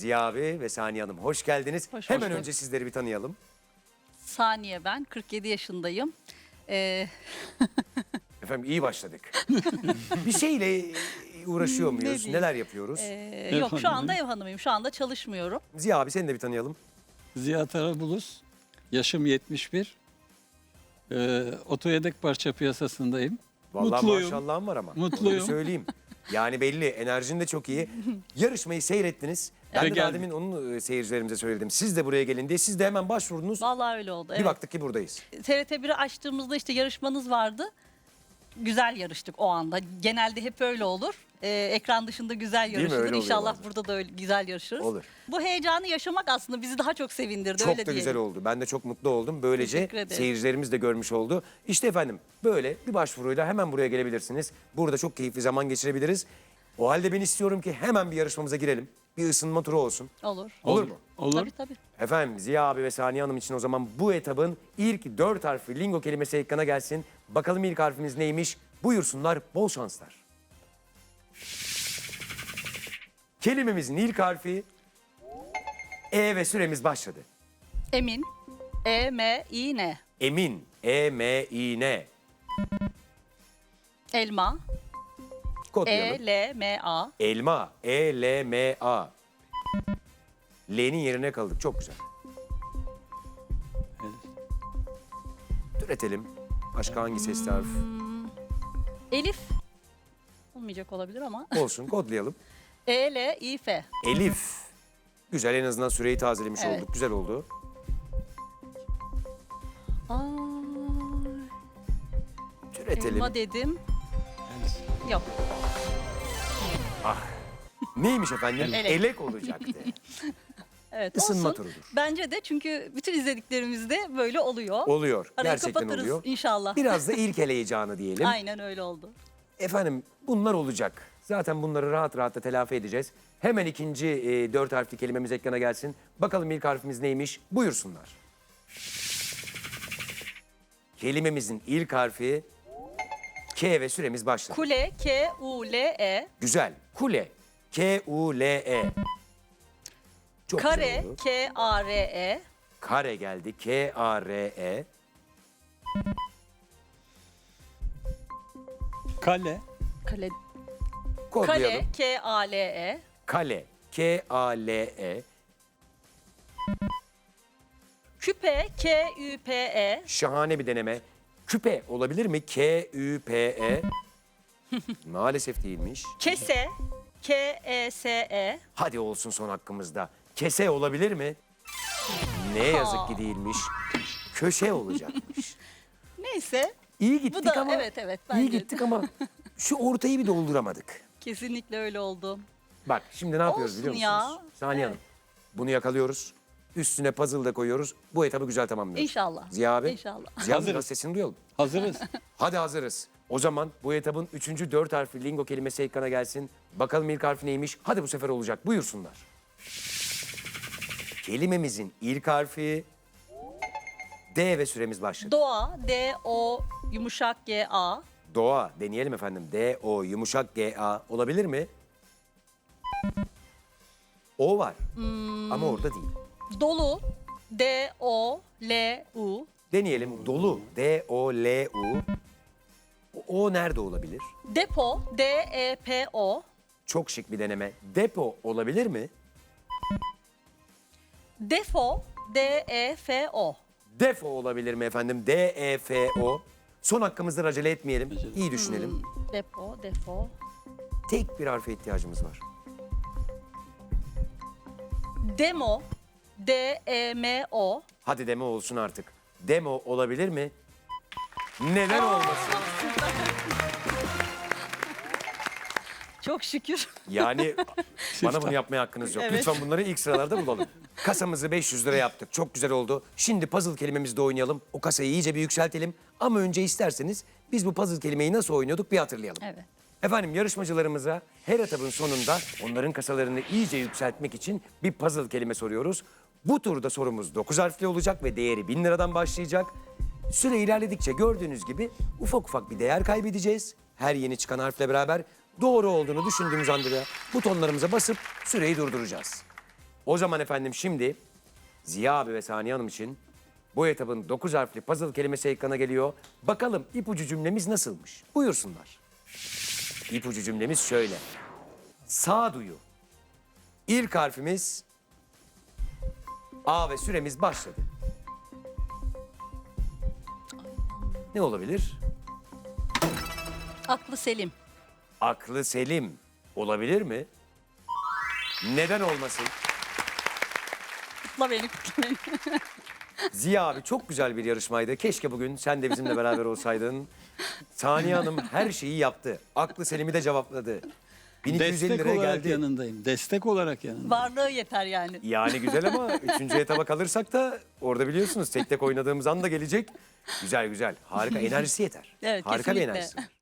Ziya abi ve Saniye Hanım hoş geldiniz. Hoş Hemen bulduk. önce sizleri bir tanıyalım. Saniye ben, 47 yaşındayım. Efendim iyi başladık. Bir şeyle uğraşıyor muyuz? diyeyim? Neler yapıyoruz? Yok şu anda hanımıyım. ev hanımıyım, şu anda çalışmıyorum. Ziya abi seni de bir tanıyalım. Ziya Tarabulus, yaşım 71. Oto yedek parça piyasasındayım. Vallahi Mutluyum. maşallahım var ama. Mutluyum. Öyle söyleyeyim. Yani belli, enerjin de çok iyi. Yarışmayı seyrettiniz. Ben Ve de daha geldik. demin onun seyircilerimize söyledim. Siz de buraya gelin diye. Siz de hemen başvurdunuz. Vallahi öyle oldu. Bir Evet. baktık ki buradayız. TRT1'i açtığımızda işte yarışmanız vardı. Güzel yarıştık o anda. Genelde hep öyle olur. Ekran dışında güzel mi? yarışılır. Öyle oluyor İnşallah bazen. burada da öyle güzel yarışırız. Olur. Bu heyecanı yaşamak aslında bizi daha çok sevindirdi. Çok öyle da diyelim. güzel oldu. Ben de çok mutlu oldum. Böylece Teşekkür ederim. seyircilerimiz de görmüş oldu. İşte efendim böyle bir başvuruyla hemen buraya gelebilirsiniz. Burada çok keyifli zaman geçirebiliriz. O halde ben istiyorum ki hemen bir yarışmamıza girelim. Bir ısınma turu olsun. Olur. Olur mu? Olur. Tabii tabii. Efendim Ziya abi ve Saniye Hanım için o zaman bu etabın ilk 4 harfli lingo kelimesi ekrana gelsin. Bakalım ilk harfimiz neymiş? Buyursunlar, bol şanslar. Kelimemizin ilk harfi E ve süremiz başladı. Emin. E-M-İ-N. Emin, E-M-İ-N. Elma. Kodlayalım. E-L-M-A. Elma, E-L-M-A. L'nin yerine kaldık. Çok güzel. Türetelim. Başka hangi sesli harf? Elif. Olmayacak olabilir ama. Olsun, kodlayalım. E-L-İ-F. Elif. Güzel, en azından süreyi tazelemiş Evet. olduk. Güzel oldu. Aa, Türetelim. elma dedim. Yok. Neymiş efendim? Elek. Elek olacaktı. Evet, Isınma olsun. turudur. Bence de çünkü bütün izlediklerimizde böyle oluyor. Oluyor. Arayı Gerçekten kapatırız oluyor. inşallah. Biraz da ilk heyecanı diyelim. Aynen öyle oldu. Efendim bunlar olacak. Zaten bunları rahat rahat da telafi edeceğiz. Hemen ikinci 4 harfli kelimemiz ekrana gelsin. Bakalım ilk harfimiz neymiş? Buyursunlar. Kelimemizin ilk harfi K ve süremiz başladı. Kule, K-U-L-E. Güzel. Kule. K-U-L-E. Çok güzel Kare, oldu. K-A-R-E. Kare geldi. K-A-R-E. Kale, Kale, Kodlayalım. Kale, K-A-L-E. Kale. K-A-L-E. Küpe, K-Ü-P-E. Şahane bir deneme. Küpe olabilir mi? K-Ü-P-E. Maalesef değilmiş. Kese, K-E-S-E. Hadi olsun son hakkımızda. Kese olabilir mi? Ne yazık ki değilmiş. Köşe olacakmış. Neyse. İyi Bu gittik da ama. evet İyi bence gittik ama şu ortayı bir dolduramadık. kesinlikle öyle oldu. Bak şimdi ne yapıyoruz Olsun biliyor musunuz? ya. Saniye Hanım. Bunu yakalıyoruz. Üstüne puzzle da koyuyoruz. Bu etabı güzel tamamlıyoruz. İnşallah. Ziya abi. İnşallah. Ziya abi Hazırız. biraz sesini duyalım. hazırız. Hadi hazırız. O zaman bu etabın 3. 4 harfli lingo kelimesi ekrana gelsin. Bakalım ilk harfi neymiş? Hadi bu sefer olacak. Buyursunlar. Kelimemizin ilk harfi D ve süremiz başladı. Doğa, D-O yumuşak G-A. Doğa. Deneyelim efendim. D-O yumuşak G-A olabilir mi? O var. Ama orada değil. Dolu, D-O-L-U. Deneyelim. Dolu. D-O-L-U. O nerede olabilir? Depo, D-E-P-O. Çok şık bir deneme. Depo olabilir mi? Defo, D-E-F-O. Defo olabilir mi efendim? D-E-F-O. Son hakkımızda acele etmeyelim. İyi düşünelim. Depo, defo. Tek bir harfe ihtiyacımız var. Demo, D-E-M-O. Hadi demo olsun artık. Demo olabilir mi? Neden olmasın? Çok şükür. Yani bana bunu yapmaya hakkınız yok. Evet. Lütfen bunları ilk sıralarda bulalım. Kasamızı 500 lira yaptık. Çok güzel oldu. Şimdi puzzle kelimemizde oynayalım. O kasayı iyice bir yükseltelim. Ama önce isterseniz biz bu puzzle kelimeyi nasıl oynuyorduk bir hatırlayalım. Evet. Efendim yarışmacılarımıza her etabın sonunda onların kasalarını iyice yükseltmek için bir puzzle kelime soruyoruz. Bu turda sorumuz 9 harfli olacak ve değeri 1000 liradan başlayacak. Süre ilerledikçe gördüğünüz gibi ufak ufak bir değer kaybedeceğiz. Her yeni çıkan harfle beraber doğru olduğunu düşündüğümüz anda butonlarımıza basıp süreyi durduracağız. O zaman efendim şimdi Ziya abi ve Saniye Hanım için bu etabın 9 harfli puzzle kelimesi ekrana geliyor. Bakalım ipucu cümlemiz nasılmış? Buyursunlar. İpucu cümlemiz şöyle. Sağduyu. İlk harfimiz A ve süremiz başladı. Ne olabilir? Aklı selim. Aklı selim olabilir mi? Neden olmasın? Kutla beni, kutla beni. Ziya abi çok güzel bir yarışmaydı. Keşke bugün sen de bizimle beraber olsaydın. Saniye Hanım her şeyi yaptı. Aklı Selim'i de cevapladı. 1250 Destek liraya olarak geldi. yanındayım. Destek olarak yanındayım. Varlığı yeter yani. Yani güzel ama 3. etaba kalırsak da orada biliyorsunuz tek tek oynadığımız anda gelecek. Güzel güzel. Harika enerjisi yeter. Evet, Harika bir kesinlikle. enerjisi var.